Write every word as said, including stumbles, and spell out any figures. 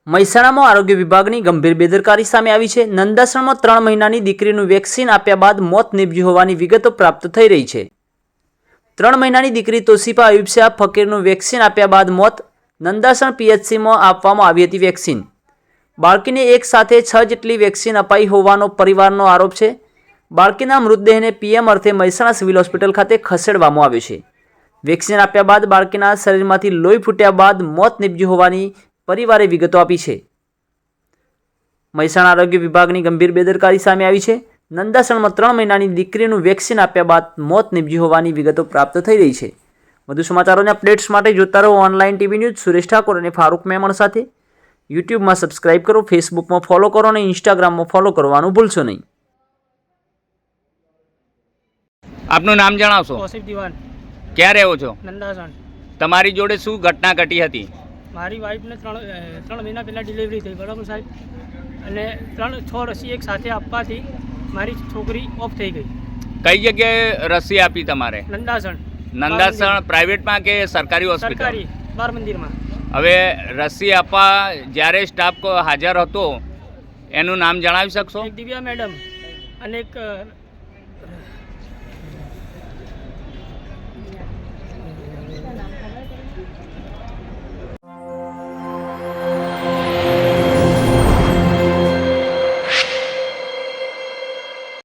મહેસાણામાં આરોગ્ય વિભાગની ગંભીર બેદરકારી સામે આવી છે। નંદાસણમાં ત્રણ મહિનાની દીકરીનું વેક્સિન આપ્યા બાદ મોત નીપજ્યું હોવાની વિગતો પ્રાપ્ત થઈ રહી છે। ત્રણ મહિનાની દીકરી તોશીફા અયુબશાહ ફકીરનું વેક્સિન આપ્યા બાદ મોત। નંદાસણ પીએચસીમાં આપવામાં આવી હતી વેક્સિન। બાળકીને એક સાથે છ જેટલી વેક્સિન અપાઈ હોવાનો પરિવારનો આરોપ છે। બાળકીના મૃતદેહને પીએમ અર્થે મહેસાણા સિવિલ હોસ્પિટલ ખાતે ખસેડવામાં આવ્યો છે। વેક્સિન આપ્યા બાદ બાળકીના શરીરમાંથી લોહી ફૂટ્યા બાદ મોત નીપજ્યું હોવાની પરિવારે વિગતો આપી છે। મહેસાણા આરોગ્ય વિભાગની ગંભીર બેદરકારી સામે આવી છે। નંદાસણમાં ત્રણ મહિનાની દીકરીનું વેક્સિન આપ્યા બાદ મોત નીપજ્યું હોવાની વિગતો પ્રાપ્ત થઈ રહી છે। વધુ સમાચારોને અપડેટ્સ માટે જોતા રહો online TV news. Suresh Thakor અને ફારૂક મેમણ સાથે યુટ્યુબમાં સબસ્ક્રાઇબ કરો, ફેસબુકમાં ફોલો કરો અને ઇન્સ્ટાગ્રામમાં ફોલો કરવાનું ભૂલશો નહીં। આપનું નામ જણાવશો? તોસીફ દીવાન, ક્યાં રહો છો? નંદાસણ। તમારી જોડે શું ઘટના ઘટી હતી? મારી વાઈફને ત્રણ અ, ત્રણ મહિના પહેલાં ડિલિવરી થઈ, બરાબર સાહેબ, અને ત્રણ છ રસી એક સાથે આપવાથી મારી છોકરી ઓફ થઈ ગઈ। કઈ જગ્યાએ રસી આપી તમારે? નંદાસણ નંદાસણ પ્રાઇવેટમાં કે સરકારી હોસ્પિટલ? સરકારી બાર મંદિરમાં। હવે રસી આપવા જ્યારે સ્ટાફ કો હાજર હતો એનું નામ જણાવી શકશો? એક દિવ્યા મેડમ અને એક અ,